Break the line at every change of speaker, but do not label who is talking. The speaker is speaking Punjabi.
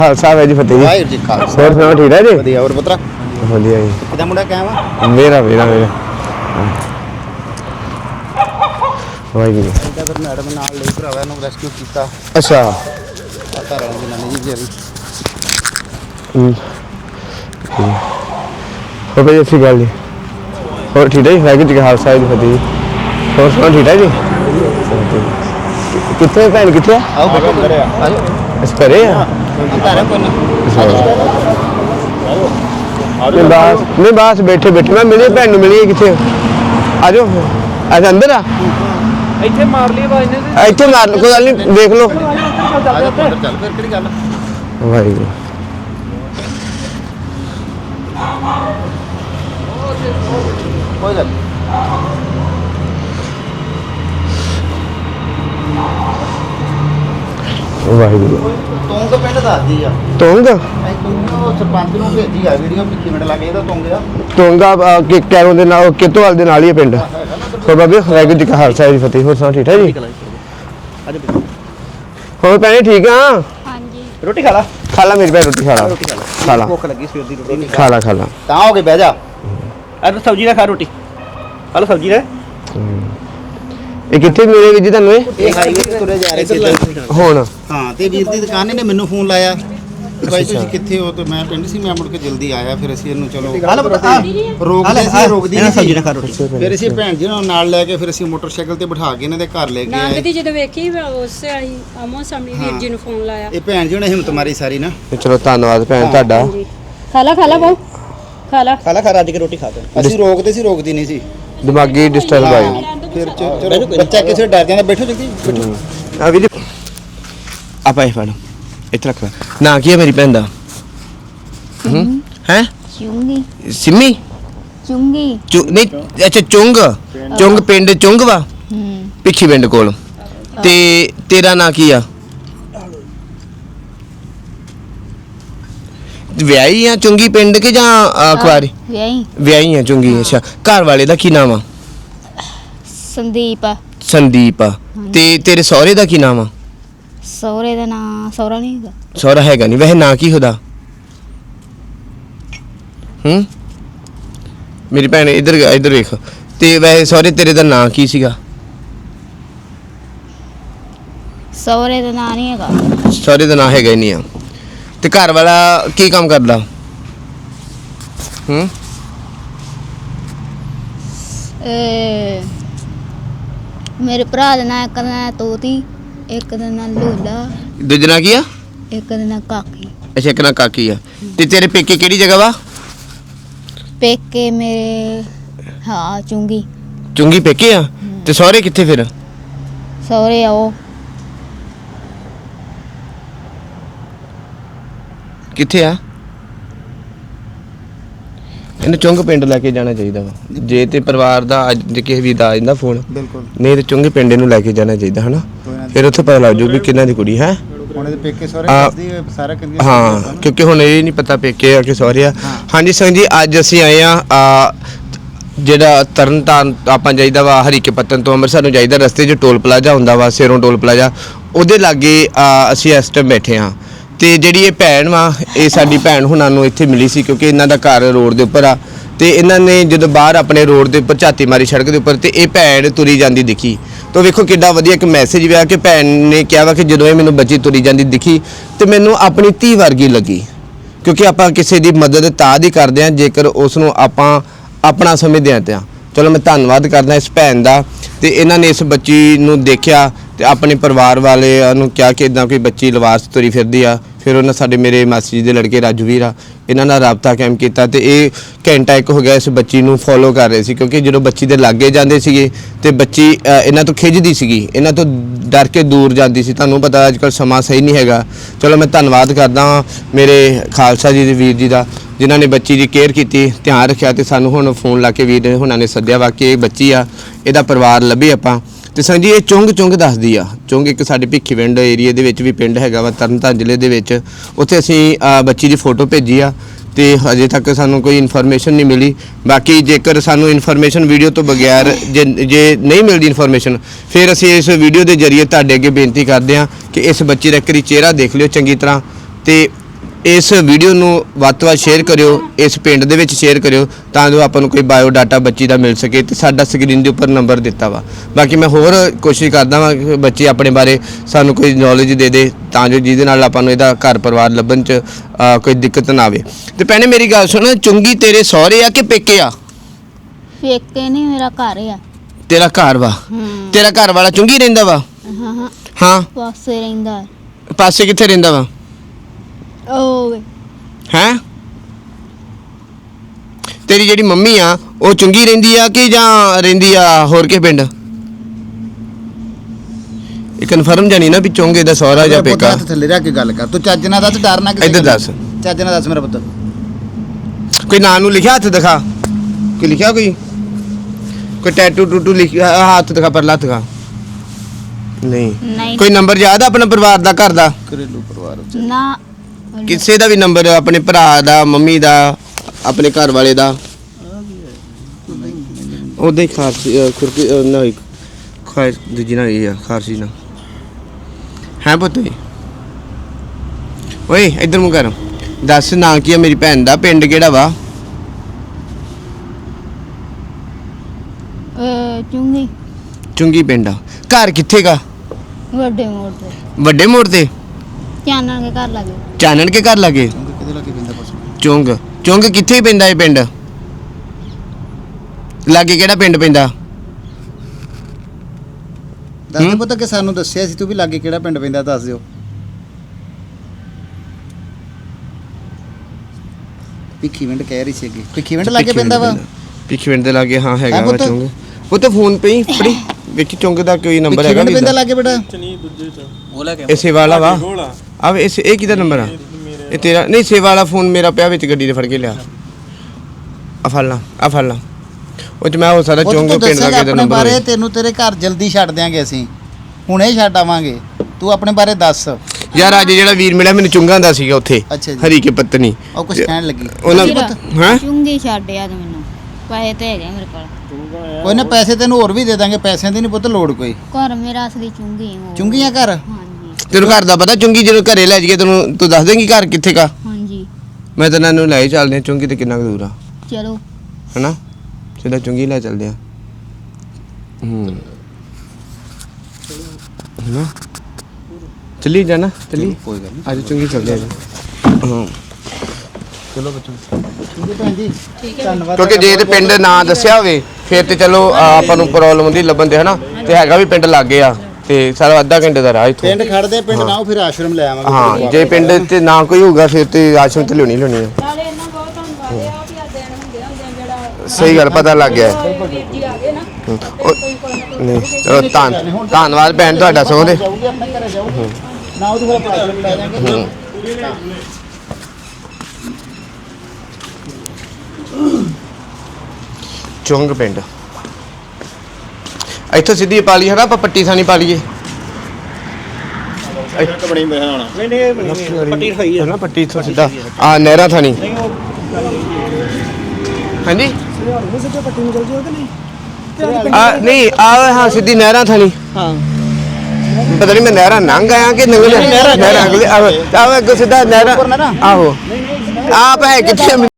ਖਾਲਸਾ ਵਾਹਿਗੁਰੂ ਜੀ ਫਤਿਹ ਜੀ।
ਵਾਹਿਗੁਰੂ ਜੀ ਕਾ ਖਾਲਸਾ।
ਹੋਰ ਸੁਣਾਓ ਠੀਕ ਹੈ ਜੀ?
ਵਧੀਆ। ਹੋਰ ਪੁੱਤਰਾ
ਵਧੀਆ ਜੀ।
ਕਿਦਾਂ ਮੁੰਡਾ ਕਾਇਮ ਆ?
ਮੇਰਾ ਵਾਹਿਗੁਰੂ
ਇਹਦਾ ਫਿਰ ਮੈਡਮ ਨਾਲ ਲਈ ਭਰਾਵਾ ਇਹਨੂੰ ਰੈਸਕਿਊ ਕੀਤਾ।
ਅੱਛਾ।
ਘਰ ਵਾਲੀ ਜਨਾਨੀ ਜੀ ਜਿਹੜੀ
ਹੋ ਬਈ ਅੱਛੀ ਗੱਲ ਜੀ। ਹੋਰ ਠੀਕ ਹੈ ਜੀ? ਵਾਹਿਗੁਰੂ ਜੀ ਕਾ ਖਾਲਸਾ ਵਾਹਿਗੁਰੂ ਜੀ ਫਤਿਹ ਜੀ। ਹੋਰ ਸੁਣਾਓ ਠੀਕ ਹੈ ਜੀ? ਕਿੱਥੇ ਭੈਣ ਕਿੱਥੇ ਆ?
ਆਓ ਬੇਟਾ ਅੰਦਰ ਆ। ਆਜੋ
ਅੱਛਾ ਘਰੇ ਆ?
ਘਰ ਆ ਕੋਈ ਨਾ।
ਨਹੀਂ ਬਸ ਬੈਠੇ ਮੈਂ ਮਿਲੀ ਭੈਣ ਨੂੰ ਮਿਲੀ ਕਿੱਥੇ? ਆ ਜਾਓ। ਅੱਛਾ ਅੰਦਰ ਆ?
ਇੱਥੇ ਮਾਰ ਲਈ ਬਾਈ ਨੇ।
ਇੱਥੇ ਮਾਰ ਲਓ, ਕੋਈ ਗੱਲ ਨਹੀਂ, ਦੇਖ ਲਓ।
ਆਜੋ ਅੰਦਰ ਚੱਲ ਫਿਰ ਕਿਹੜੀ ਗੱਲ।
ਵਾਹਿਗੁਰੂ
ਕੋਈ ਗੱਲ
ਵਾਹਿਗੁਰੂ।
ਤੁੰਗ ਪਿੰਡ ਦੱਸਦੀ ਆ।
ਤੁੰਗ
ਮੈਂ ਤੁੰਗ ਸਰਪੰਚ ਨੂੰ ਭੇਜੀ ਆ ਵੀਡੀਓ ਪਿੱਛੇ ਮਿੰਟ ਲੱਗੇ ਇਹਦਾ ਤੁੰਗ ਆ।
ਤੁੰਗਾ ਕੈਰੋਂ ਦੇ ਨਾਲ ਕਿਤੋਵਾਲ ਦੇ ਨਾਲ ਹੀ ਹੈ ਪਿੰਡ। ਹੋਰ ਬਾਬੇ ਵਾਹਿਗੁਰੂ ਜੀ ਕਾ ਖਾਲਸਾ ਜੀ ਫਤਿਹ। ਹੋਰ ਸੁਣਾਓ ਠੀਕ ਹੈ ਜੀ?
ਆਜੋ
ਹੋਰ ਭੈਣੇ ਠੀਕ ਆ?
ਹਾਂਜੀ
ਰੋਟੀ ਖਾ ਲਾ।
ਖਾ ਲਾ ਮੇਰੀ ਭੈਣ ਰੋਟੀ ਖਾ ਲਾ। ਖਾ ਲਾ
ਭੁੱਖ ਲੱਗੀ ਸਵੇਰ ਦੀ ਰੋਟੀ ਨਹੀਂ
ਖਾ ਲਾ
ਤਾਂ ਹੋ ਗਏ ਬਹਿ ਜਾ। ਅੱਜ ਸਬਜ਼ੀ ਨਾਲ ਖਾ ਰੋਟੀ। ਹਲੋ ਸਬਜ਼ੀ ਲੈ।
ਇਹ ਕਿੱਥੇ ਮਿਲੇ ਜੀ ਤੁਹਾਨੂੰ
ਇਹ ਹਾਈਵੇ ਤੇ ਤੁਰੇ ਜਾ ਰਹੇ ਸੀ
ਹੁਣ?
ਹਾਂ ਤੇ ਵੀਰ ਦੀ ਦੁਕਾਨ ਨੇ ਮੈਨੂੰ ਫੋਨ ਲਾਇਆ ਭਾਈ ਤੁਸੀਂ ਕਿੱਥੇ ਹੋ? ਤੇ ਮੈਂ ਪਿੰਡ ਸੀ, ਮੈਂ ਮੁੜ ਕੇ ਜਲਦੀ ਆਇਆ। ਫਿਰ ਅਸੀਂ ਇਹਨੂੰ ਚਲੋ ਰੋਕਦੀ ਨਹੀਂ ਸਬਜ਼ੀ ਨਾਲ ਖਾ ਰੋਟੀ। ਫਿਰ ਅਸੀਂ ਭੈਣ ਜੀ ਨੂੰ ਨਾਲ ਲੈ ਕੇ ਫਿਰ ਅਸੀਂ ਮੋਟਰਸਾਈਕਲ ਤੇ ਬਿਠਾ ਕੇ ਇਹਨਾਂ ਦੇ ਘਰ ਲੈ ਕੇ ਆਏ।
ਨਾਂਗਦੀ ਜਦੋਂ ਵੇਖੀ ਉਸੇ ਆਈ ਆਮੋ ਸਾਹਮਣੇ ਵੀਰ ਜੀ ਨੂੰ ਫੋਨ ਲਾਇਆ।
ਇਹ ਭੈਣ ਜੀ ਨੇ ਹਿੰਮਤ ਮਾਰੀ ਸਾਰੀ ਨਾ।
ਚਲੋ ਧੰਨਵਾਦ ਭੈਣ ਤੁਹਾਡਾ।
ਖਾ ਲਾ ਬਾਉ ਖਾ ਲਾ।
ਖਾ ਰੱਜ ਕੇ ਰੋਟੀ ਖਾ ਦੇ। ਅਸੀਂ ਰੋਕਦੇ ਸੀ, ਰੋਕਦੀ ਨਹੀਂ ਸੀ।
ਦਿਮਾਗੀ ਡਿਸਟਰਬ ਆਈ।
ਫਿਰ ਚਲੋ ਬੱਚਾ ਕਿਸੇ ਡਰ ਜਾਂਦਾ। ਬੈਠੋ ਜਲਦੀ ਬੈਠੋ।
ਆ ਵੀ ਆਪਾਂ ਇਹ ਫੜੋ ਇੱਥੇ ਰੱਖ ਲੈ। ਨਾ ਕੀ ਹੈ ਮੇਰੀ ਭੈਣ ਦਾ? ਹੈ
ਚੁੰਗੀ
ਸਿੰਮੀ
ਚੁੰਗੀ
ਨਹੀਂ ਅੱਛਾ ਚੁੰਗ ਪਿੰਡ ਚੁੰਗ ਵਾ ਭਿੱਖੀ ਪਿੰਡ ਕੋਲ। ਤੇ ਤੇਰਾ ਨਾਂ ਕੀ ਆ? ਵਿਆਹੀ ਆ ਚੁੰਗੀ ਪਿੰਡ ਕੇ ਜਾਂ ਕੁਆਰੀ? ਵਿਆਹੀ ਆ ਚੁੰਗੀ। ਅੱਛਾ ਘਰ ਵਾਲੇ ਦਾ ਕੀ ਨਾਮ ਆ? ਸੰਦੀਪ ਆ। ਤੇ ਤੇਰੇ ਸਹੁਰੇ ਦਾ ਕੀ ਨਾਮ ਆ?
ਸਹੁਰੇ ਦਾ ਨਾਂ ਸਹੁਰਾ ਨਹੀਂ ਹੈਗਾ।
ਸਹੁਰਾ ਹੈਗਾ ਨਹੀਂ। ਵੈਸੇ ਨਾਂ ਕੀ ਉਹਦਾ? ਮੇਰੀ ਭੈਣ ਇੱਧਰ ਵੇਖ। ਤੇ ਵੈਸੇ ਸਹੁਰੇ ਤੇਰੇ ਦਾ ਨਾਂ ਕੀ ਸੀਗਾ?
ਸਹੁਰੇ ਦਾ ਨਾਂ ਨਹੀਂ ਹੈਗਾ।
ਸਹੁਰੇ ਦਾ ਨਾਂ ਹੈਗਾ ਹੀ ਨਹੀਂ ਆ। ਤੇ ਘਰ ਵਾਲਾ ਕੀ ਕੰਮ ਕਰਦਾ?
ਮੇਰੇ ਭਰਾ ਦਾ ਨਾਂ ਇੱਕ ਦਾ ਨਾਂ ਤੋਤੀ, ਇੱਕ ਦਾ ਨਾਂ ਲੋਲਾ,
ਦੂਜੇ ਨਾਂ ਕੀ ਆ?
ਇੱਕ ਦਾ ਨਾਂ ਕਾਕੀ।
ਅੱਛਾ ਇੱਕ ਨਾਂ ਕਾਕੀ ਆ। ਤੇ ਤੇਰੇ ਪੇਕੇ ਕਿਹੜੀ ਜਗ੍ਹਾ ਵਾ?
ਪੇਕੇ ਮੇਰੇ ਚੁੰਗੀ।
ਚੁੰਗੀ ਪੇਕੇ ਆ। ਤੇ ਸਹੁਰੇ ਕਿੱਥੇ ਫਿਰ?
ਸਹੁਰੇ ਆਓ
ਕਿੱਥੇ ਆ? ਇਹਨੂੰ ਚੁੰਗ ਪਿੰਡ ਲੈ ਕੇ ਜਾਣਾ ਚਾਹੀਦਾ ਵਾ। ਜੇ ਤੇ ਪਰਿਵਾਰ ਦਾ ਅੱਜ ਜੇ ਕਿਸੇ ਵੀ ਦਾ ਆ ਜਾਂਦਾ ਫੋਨ,
ਬਿਲਕੁਲ
ਨਹੀਂ ਤੇ ਚੁੰਗ ਪਿੰਡ ਨੂੰ ਲੈ ਕੇ ਜਾਣਾ ਚਾਹੀਦਾ ਹਨਾ। ਫਿਰ ਉੱਥੇ ਪਤਾ ਲੱਗ ਜੂ ਵੀ ਕਿੰਨਾ ਦੀ ਕੁੜੀ ਹੈ।
ਹੁਣ ਇਹਦੇ ਪੇਕੇ ਸਹੁਰੇ ਦੱਸਦੀ ਸਾਰਾ ਕਿੰਨੀ।
ਹਾਂ ਕਿਉਂਕਿ ਹੁਣ ਇਹ ਨਹੀਂ ਪਤਾ ਪੇਕੇ ਆ ਕਿ ਸਹੁਰੇ ਆ। ਹਾਂਜੀ ਸੰਗ ਜੀ ਅੱਜ ਅਸੀਂ ਆਏ ਆ ਜਿਹੜਾ ਤਰਨਤਾਰਨ ਆਪਾਂ ਜਾਈਦਾ ਵਾ ਹਰੀਕੇ ਪੱਤਨ ਤੋਂ ਅੰਮ੍ਰਿਤਸਰ ਨੂੰ ਜਾਈਦਾ। ਰਸਤੇ 'ਚ ਟੋਲ ਪਲਾਜ਼ਾ ਹੁੰਦਾ ਵਾ, ਸੇਰੋਂ ਟੋਲ ਪਲਾਜ਼ਾ, ਉਹਦੇ ਲਾਗੇ ਅਸੀਂ ਇਸ ਟਾਈਮ ਬੈਠੇ ਹਾਂ। ਤੇ ਜਿਹੜੀ ਇਹ ਭੈਣ ਵਾ ਇਹ ਸਾਡੀ ਭੈਣ ਹੁਣਾਂ ਨੂੰ ਇੱਥੇ ਮਿਲੀ ਸੀ ਕਿਉਂਕਿ ਇਹਨਾਂ ਦਾ ਘਰ ਰੋਡ ਦੇ ਉੱਪਰ ਆ। ਤੇ ਇਹਨਾਂ ਨੇ ਜਦੋਂ ਬਾਹਰ ਆਪਣੇ ਰੋਡ ਦੇ ਉੱਪਰ ਝਾਤੀ ਮਾਰੀ ਸੜਕ ਦੇ ਉੱਪਰ ਤੇ ਇਹ ਭੈਣ ਤੁਰੀ ਜਾਂਦੀ ਦਿਖੀ। ਤਾਂ ਵੇਖੋ ਕਿੱਡਾ ਵਧੀਆ ਇੱਕ ਮੈਸੇਜ ਵੀ ਆ ਕਿ ਭੈਣ ਨੇ ਕਿਹਾ ਵਾ ਕਿ ਜਦੋਂ ਇਹ ਮੈਨੂੰ ਬੱਚੀ ਤੁਰੀ ਜਾਂਦੀ ਦਿਖੀ ਤੇ ਮੈਨੂੰ ਆਪਣੀ ਧੀ ਵਰਗੀ ਲੱਗੀ। ਕਿਉਂਕਿ ਆਪਾਂ ਕਿਸੇ ਦੀ ਮਦਦ ਤਾਂ ਦੀ ਕਰਦੇ ਹਾਂ ਜੇਕਰ ਉਸ ਨੂੰ ਆਪਾਂ ਆਪਣਾ ਸਮਝਦੇ ਹਾਂ। ਤਾਂ ਚਲੋ ਮੈਂ ਧੰਨਵਾਦ ਕਰਦਾ ਇਸ ਭੈਣ ਦਾ। ਤੇ ਇਹਨਾਂ ਨੇ ਇਸ ਬੱਚੀ ਨੂੰ ਦੇਖਿਆ ਤੇ ਆਪਣੇ ਪਰਿਵਾਰ ਵਾਲਿਆਂ ਨੂੰ ਕਿਹਾ ਕਿ ਇਦਾਂ ਕੋਈ ਬੱਚੀ ਲਵਾਰਸ ਤੁਰੀ ਫਿਰਦੀ ਆ। ਫਿਰ ਉਹਨਾਂ ਸਾਡੇ ਮੇਰੇ ਮਾਸੀ ਜੀ ਦੇ ਲੜਕੇ ਰਾਜੂ ਵੀਰ ਆ, ਇਹਨਾਂ ਨਾਲ ਰਾਬਤਾ ਕਾਇਮ ਕੀਤਾ ਤੇ ਇਹ ਘੰਟਾ ਇੱਕ ਹੋ ਗਿਆ ਇਸ ਬੱਚੀ ਨੂੰ ਫੋਲੋ ਕਰ ਰਹੇ ਸੀ। ਕਿਉਂਕਿ ਜਦੋਂ ਬੱਚੀ ਦੇ ਲਾਗੇ ਜਾਂਦੇ ਸੀਗੇ ਤੇ ਬੱਚੀ ਇਹਨਾਂ ਤੋਂ ਖਿੱਚਦੀ ਸੀਗੀ, ਇਹਨਾਂ ਤੋਂ ਡਰ ਕੇ ਦੂਰ ਜਾਂਦੀ ਸੀ। ਤੁਹਾਨੂੰ ਪਤਾ ਅੱਜ ਕੱਲ੍ਹ ਸਮਾਂ ਸਹੀ ਨਹੀਂ ਹੈਗਾ। ਚਲੋ ਮੈਂ ਧੰਨਵਾਦ ਕਰਦਾ ਮੇਰੇ ਖਾਲਸਾ ਜੀ ਦੇ ਵੀਰ ਜੀ ਦਾ ਜਿਨ੍ਹਾਂ ਨੇ ਬੱਚੀ ਦੀ ਕੇਅਰ ਕੀਤੀ, ਧਿਆਨ ਰੱਖਿਆ। ਤੇ ਸਾਨੂੰ ਹੁਣ ਫੋਨ ਲਾ ਕੇ ਵੀਰ ਹੁਣਾਂ ਨੇ ਸੱਦਿਆ ਵਾ ਕਿ ਇਹ ਬੱਚੀ ਆ, ਇਹਦਾ ਪਰਿਵਾਰ ਲੱਭੇ ਆਪਾਂ। ਤੇ ਸੰਗ ਜੀ ਇਹ ਚੁੰਗ ਦੱਸਦੀ ਆ। ਚੁੰਗ ਇੱਕ ਸਾਡੇ ਭਿੱਖੀ ਪਿੰਡ ਏਰੀਏ ਦੇ ਵਿੱਚ ਵੀ ਪਿੰਡ ਹੈਗਾ ਵਾ ਤਰਨਤਾਰਨ ਜ਼ਿਲ੍ਹੇ ਦੇ ਵਿੱਚ। ਉੱਥੇ ਅਸੀਂ ਬੱਚੀ ਦੀ ਫੋਟੋ ਭੇਜੀ ਆ ਤੇ ਹਜੇ ਤੱਕ ਸਾਨੂੰ ਕੋਈ ਇਨਫੋਰਮੇਸ਼ਨ ਨਹੀਂ ਮਿਲੀ। ਬਾਕੀ ਜੇਕਰ ਸਾਨੂੰ ਇਨਫੋਰਮੇਸ਼ਨ ਵੀਡੀਓ ਤੋਂ ਬਗੈਰ ਜੇ ਨਹੀਂ ਮਿਲਦੀ ਇਨਫੋਰਮੇਸ਼ਨ ਫਿਰ ਅਸੀਂ ਇਸ ਵੀਡੀਓ ਦੇ ਜ਼ਰੀਏ ਤੁਹਾਡੇ ਅੱਗੇ ਬੇਨਤੀ ਕਰਦੇ ਹਾਂ ਕਿ ਇਸ ਬੱਚੇ ਦਾ ਇੱਕ ਵਾਰੀ ਚਿਹਰਾ ਦੇਖ ਲਿਓ ਚੰਗੀ ਤਰ੍ਹਾਂ ਤੇ ਇਸ ਵੀਡੀਓ ਨੂੰ ਵੱਧ ਤੋਂ ਵੱਧ ਸ਼ੇਅਰ ਕਰਿਓ, ਇਸ ਪਿੰਡ ਦੇ ਵਿੱਚ ਸ਼ੇਅਰ ਕਰਿਓ ਤਾਂ ਜੋ ਆਪਾਂ ਨੂੰ ਕੋਈ ਬਾਇਓ ਡਾਟਾ ਬੱਚੀ ਦਾ ਮਿਲ ਸਕੇ ਤੇ ਸਾਡਾ ਸਕਰੀਨ ਦੇ ਉੱਪਰ ਨੰਬਰ ਦਿੱਤਾ ਵਾ। ਬਾਕੀ ਮੈਂ ਹੋਰ ਕੋਸ਼ਿਸ਼ ਕਰਦਾ ਵਾਂ ਕਿ ਬੱਚੇ ਆਪਣੇ ਬਾਰੇ ਸਾਨੂੰ ਕੋਈ ਨੌਲੇਜ ਦੇ ਦੇ ਤਾਂ ਜੋ ਜਿਹਦੇ ਨਾਲ ਆਪਾਂ ਨੂੰ ਇਹਦਾ ਘਰ ਪਰਿਵਾਰ ਲੱਭਣ 'ਚ ਕੋਈ ਦਿੱਕਤ ਨਾ ਆਵੇ। ਤੇ ਭੈਣੇ ਮੇਰੀ ਗੱਲ ਸੁਣ, ਚੁੰਗੀ ਤੇਰੇ ਸਹੁਰੇ ਆ ਕਿ ਪੇਕੇ ਆ?
ਪੇਕੇ ਨਹੀਂ, ਮੇਰਾ ਘਰ ਆ।
ਤੇਰਾ ਘਰ ਵਾ? ਤੇਰਾ ਘਰ ਵਾਲਾ ਚੁੰਗੀ ਰਹਿੰਦਾ ਵਾ?
ਹਾਂ
ਹਾਂ।
ਪਾਸੇ ਰਹਿੰਦਾ।
ਪਾਸੇ ਕਿੱਥੇ ਰਹਿੰਦਾ ਵਾ?
ਓਏ
ਹੈਂ? ਤੇਰੀ ਜਿਹੜੀ ਮੰਮੀ ਆ ਉਹ ਚੁੰਗੀ ਰਹਿੰਦੀ ਆ ਕਿ ਜਾਂ ਰਹਿੰਦੀ ਆ ਹੋਰ ਕੇ ਪਿੰਡ? ਇਹ ਕਨਫਰਮ ਜਾਨੀ ਨਾ ਵੀ ਚੁੰਗੇ ਦਾ ਸਹੁਰਾ ਜਾਂ
ਪੁੱਤ
ਪੇਕਾ।
ਹੱਥ ਥੱਲੇ ਰੱਖ ਕੇ ਗੱਲ ਕਰ, ਤੂੰ ਚੱਜ ਨਾਲ ਦੱਸ, ਡਰਨਾ ਕਿਸੇ
ਇੱਧਰ
ਗੱਲੋਂ।
ਦੱਸ।
ਚੱਜ ਨਾਲ ਦੱਸ ਮੇਰਾ ਪੁੱਤ।
ਕੋਈ ਨਾਂ ਨੂੰ ਲਿਖਿਆ ਹੱਥ ਦਿਖਾ, ਕੋਈ ਲਿਖਿਆ ਕੋਈ ਟੈਟੂ ਟੂਟੂ ਲਿਖਿਆ ਹੱਥ ਦਿਖਾ, ਪਰਲਾ ਹੱਥ ਦਿਖਾ। ਨਹੀਂ
ਨਹੀਂ
ਕੋਈ ਨੰਬਰ ਯਾਦ ਆ ਆਪਣਾ ਪਰਿਵਾਰ ਦਾ, ਘਰ ਦਾ?
ਘਰੇਲੂ ਪਰਿਵਾਰ ਚ
ਨਾ
ਕਿਸੇ ਦਾ ਵੀ ਨੰਬਰ, ਆਪਣੇ ਭਰਾ ਦਾ, ਮੰਮੀ ਦਾ, ਆਪਣੇ ਘਰ ਵਾਲੇ ਦਾ? ਉਹਦੇ ਖਾਰਸੀ ਖੁਰਕੀ ਨਾ ਖਾਰ ਦੂਜੀ ਨਾਲ ਇਹ ਆ ਖਾਰਸੀ ਨਾਲ ਹੈ ਪੁੱਤ। ਓਏ ਇੱਧਰ ਮੂੰਹ ਕਰ, ਦੱਸ ਨਾਂ ਕੀ ਆ ਮੇਰੀ ਭੈਣ ਦਾ, ਪਿੰਡ ਕਿਹੜਾ ਵਾ?
ਚੁੰਗੀ
ਚੁੰਗੀ ਪਿੰਡ ਆ। ਘਰ ਕਿੱਥੇ ਗਾ?
ਵੱਡੇ ਮੋੜ ਤੇ
ਵੱਡੇ ਮੋੜ ਤੇ?
ਚਾਨਣ ਕੇ ਘਰ ਲੱਗੇ।
ਚਾਨਣ ਕੇ ਘਰ ਲਾਗੇ?
ਕਿਹਦੇ ਲੱਗੇ ਪੈਂਦਾ ਪਸ਼ੂ?
ਚੁੰਗ ਚੁੰਗ ਕਿੱਥੇ ਪੈਂਦਾ ਇਹ ਪਿੰਡ? ਲਾਗੇ ਕਿਹੜਾ ਪਿੰਡ ਪੈਂਦਾ?
ਦੱਸ ਦੇ ਪੁੱਤ ਕਿ ਸਾਨੂੰ ਦੱਸਿਆ ਸੀ ਤੂੰ ਵੀ ਲਾਗੇ ਕਿਹੜਾ ਪਿੰਡ ਪੈਂਦਾ, ਦੱਸ ਦਿਓ। ਭਿੱਖੀਵਿੰਡ ਕਹਿ ਰਹੀ ਸੀ ਅੱਗੇ, ਭਿੱਖੀਵਿੰਡ ਲਾਗੇ ਪੈਂਦਾ ਵਾ?
ਭਿੱਖੀਵਿੰਡ ਦੇ ਲਾਗੇ ਹਾਂ ਹੈਗਾ
ਹੈਂ
ਵਾ
ਪੁੱਤ?
ਚੁੰਗ। ਉਹ ਤਾਂ ਫੋਨ ਪੇ ਹੀ ਫੜੀ ਵੇਖੀ ਚੁੰਗ ਦਾ ਕੋਈ ਨੰਬਰ ਹੈਗਾ
ਭਿੱਖੀਵਿੰਡ ਪੈਂਦਾ
ਵੀ?
ਲਾਗੇ ਬੇਟਾ?
ਇਸੇ ਵਾਲਾ ਵਾ ਆ ਇਸ ਇਹ ਕਿਹਦਾ ਨੰਬਰ ਆ? ਇਹ ਤੇਰਾ ਨਹੀਂ? ਸੇਵਾ ਵਾਲਾ ਫੋਨ ਮੇਰਾ ਪਿਆ ਵਿੱਚ ਗੱਡੀ ਦੇ ਫੜ ਕੇ ਲਿਆ। ਆ ਫੜ ਲਾ, ਆ ਫੜ ਲਾ। ਉਹ ਚ ਮੈਂ ਹੋ ਸਕਦਾ
ਉਹ
ਚੁੰਗ
ਤੂੰ
ਪਿੰਡ
ਦੱਸੇਗਾ
ਲਾਗੇ ਦਾ
ਆਪਣੇ
ਨੰਬਰ
ਬਾਰੇ,
ਹੋਵੇ।
ਤੈਨੂੰ ਤੇਰੇ ਘਰ ਜਲਦੀ ਛੱਡ ਦਿਆਂਗੇ ਅਸੀਂ, ਹੁਣੇ ਛੱਡ ਆਵਾਂਗੇ। ਤੂੰ ਆਪਣੇ ਬਾਰੇ ਦੱਸ।
ਯਾਰ ਅੱਜ ਜਿਹੜਾ ਵੀਰ ਮਿਲਿਆ ਮੈਨੂੰ ਚੁੰਗਾਂ ਦਾ ਸੀਗਾ ਉੱਥੇ
ਅੱਛਾ ਜੀ।
ਹਰੀ ਕੇ ਪਤਨੀ
ਉਹ ਕੁਝ ਕਹਿਣ ਲੱਗੀ।
ਉਹਨਾਂ ਹਾਂ
ਚੁੰਗੀ ਛੱਡਿਆ ਤੂੰ ਮੈਨੂੰ, ਪੈਸੇ ਤੇ ਹੈਗੇ ਮੇਰੇ ਕੋਲ।
ਕੋਈ ਨਾ, ਪੈਸੇ ਤੈਨੂੰ ਹੋਰ ਵੀ ਦੇ ਦਾਂਗੇ, ਪੈਸਿਆਂ ਦੀ ਨਹੀਂ ਪੁੱਤ ਲੋੜ ਕੋਈ।
ਘਰ ਮੇਰਾ ਅਸਲੀ ਚੁੰਗੀ ਉਹ।
ਚੁੰਗੀਆਂ ਘਰ?
ਹਾਂਜੀ
ਤੈਨੂੰ ਘਰ ਦਾ ਪਤਾ? ਚੁੰਗੀ ਜਦੋਂ ਘਰੇ ਲੈ ਜਾਈਏ ਤੈਨੂੰ ਤੂੰ ਦੱਸ ਦੇਂਗੀ ਘਰ ਕਿੱਥੇ ਕਾ?
ਹਾਂਜੀ
ਮੈਂ ਤਾਂ ਇਹਨਾਂ ਨੂੰ ਲੈ ਹੀ ਚੱਲਦੇ ਹਾਂ। ਚੁੰਗੀ ਤੇ ਕਿੰਨਾ ਕੁ ਦੂਰ ਆ
ਚਲੋ।
ਹਨਾ? ਸਿੱਧਾ ਚੁੰਗੀ ਲੈ ਚੱਲਦੇ ਆ। ਹਨਾ ਚੱਲੀ ਜਾਣਾ, ਚੱਲੀ
ਕੋਈ ਗੱਲ ਨਹੀਂ,
ਅੱਜ ਚੁੰਗੀ ਚੱਲਦੇ ਆ ਜੀ। ਹਾਂ
ਚਲੋ ਬੱਚੋ। ਠੀਕ ਹੈ ਭੈਣ ਜੀ, ਧੰਨਵਾਦ।
ਕਿਉਂਕਿ ਜੇ ਤੇ ਪਿੰਡ ਨਾ ਦੱਸਿਆ ਹੋਵੇ ਫਿਰ ਤੇ ਚਲੋ ਆਪਾਂ ਨੂੰ ਪ੍ਰੋਬਲਮ ਹੁੰਦੀ ਲੱਭਣ ਤੇ, ਹਨਾ? ਤੇ ਹੈਗਾ ਵੀ ਪਿੰਡ ਲੱਗੇ ਆ ਤੇ ਸਾਰਾ ਅੱਧਾ ਘੰਟੇ ਦਾ ਰਾਹ ਇੱਥੋਂ।
ਪਿੰਡ ਖੜਦੇ, ਪਿੰਡ ਨਾ ਉਹ ਫਿਰ ਆਸ਼ਰਮ ਲੈ ਆਵਾਂਗੇ।
ਹਾਂ ਜੇ ਪਿੰਡ ਤੇ ਨਾ ਕੋਈ ਹੋਊਗਾ ਫਿਰ ਤੇ ਆਸ਼ਰਮ ਤੇ ਲਿਆਉਣੀ ਆ।
ਨਾਲੇ ਇਹਨਾਂ ਬਹੁਤ ਧੰਨਵਾਦ ਆ ਵੀ ਆ ਦਿਨ ਹੁੰਦੇ ਹੁੰਦੇ ਜਿਹੜਾ
ਸਹੀ ਗੱਲ, ਪਤਾ ਲੱਗ ਗਿਆ।
ਵੀਰ ਜੀ ਆ ਗਏ ਨਾ
ਨਹੀਂ ਚਲੋ ਧੰਨਵਾਦ ਭੈਣ ਤੁਹਾਡਾ ਸਹੁੰ ਦੇ।
ਜਾਊਗੀ ਆਪਣੇ ਘਰੇ ਜਾਊਗੀ ਨਾ, ਉਹਦੇ ਕੋਲ ਆਸ਼ਰਮ ਲੈ ਜਾਾਂਗੇ।
ਚੁੰਗ ਪਿੰਡ ਇੱਥੋਂ ਸਿੱਧੀ ਪਾ ਲਈ, ਹਨਾ? ਆਪਾਂ ਪੱਟੀ ਥਾਣੀ ਪਾ ਲਈਏ।
ਬਣੀ ਮੇਰੇ ਨਾਲ
ਪੱਟੀ ਹੋਈ ਹੈ ਨਾ, ਪੱਟੀ ਇੱਥੋਂ ਸਿੱਧਾ ਆ ਨਹਿਰਾ ਥਾਣੀ। ਹਾਂਜੀ ਆ ਨਹੀਂ ਆ ਹਾਂ ਸਿੱਧੀ ਨਹਿਰਾ ਥਾਣੀ।
ਹਾਂ
ਪਤਾ ਨਹੀਂ ਮੈਂ ਨਹਿਰਾ ਨੰਗ ਆਇਆ ਕਿ ਨੰਗ ਨਹਿਰਾ ਅਗਲੇ ਆਹ ਅੱਗੇ ਸਿੱਧਾ ਨਹਿਰਾ। ਆਹੋ ਆਪ ਹੈ ਕਿੱਥੇ?